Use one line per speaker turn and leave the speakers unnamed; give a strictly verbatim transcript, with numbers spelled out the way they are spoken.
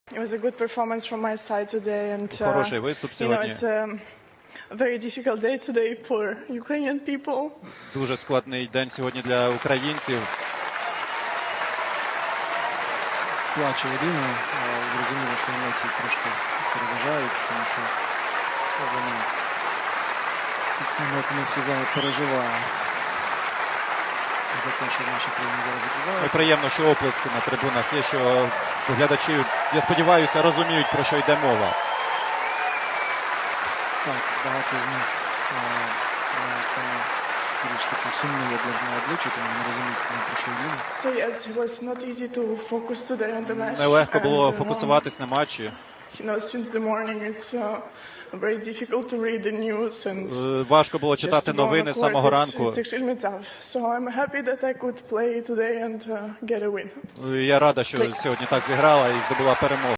It was a good performance from my side today, and uh,
Хороший виступ
you know
сьогодні.
it's a very difficult day today for Ukrainian people.
Дуже складний день сьогодні для українців.
Плаче Ірина, зрозуміло, що емоції трошки переважають, тому що вона так само, як ми всі зараз переживаємо за те, що в нашій країні зараз
Ну,
відбувається.
приємно, що оплески на трибунах є, що глядачі, я сподіваюся, розуміють, про що йде мова.
Так, багато з них на цьому більш такі сумні для обличчя, тому не розуміють, про що йде.
So yes, it was not easy to focus today on the match.
Нелегко було
And, uh,
фокусуватись на матчі.
You know, since the morning it's uh, very difficult to read the news and
Е, Важко було
just
читати
to go on
новини
the
з
court,
самого
it's,
ранку.
it's extremely tough. So I'm happy that I could play today and uh, get a win.
Я рада, що сьогодні так зіграла і здобула перемогу.